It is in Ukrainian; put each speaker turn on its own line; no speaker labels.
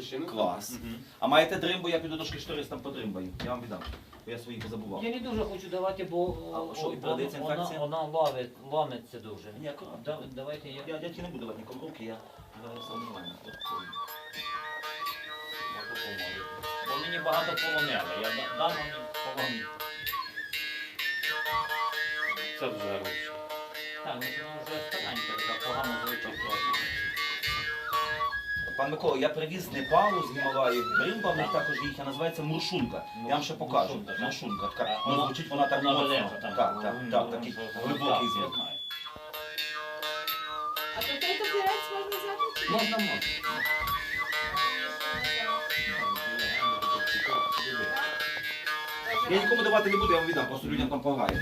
ще не
Клас. А маєте дримбу, я піду до шкіштористам подримбаю. Я вам віддам. Бо я свої позабував.
Я не дуже хочу давати, бо
А що, і передається інфекція?
вона ломиться дуже.
Ні,
Давайте я...
Я дядьки не буду давати нікому руки, я сам нормально.
Бо мені багато поломили. Я дам мені поломити.
Це вже лучше.
Так, ну вона вже старенька, така погано звучить.
Пан Микола, я привіз Непалу з Гімалаїв. Дримба в них також їхня називається муршунка. Я вам ще покажу.
Муршунка, так?
Муршунка. Така, ну, звучить вона так
Вона
моцно.
велика там.
Так, такий глибокий звук.
А то цей папірець можна взяти? чи ні?
Можна.
Я нікому давати не буду, я вам віддам, просто людям там помагаю.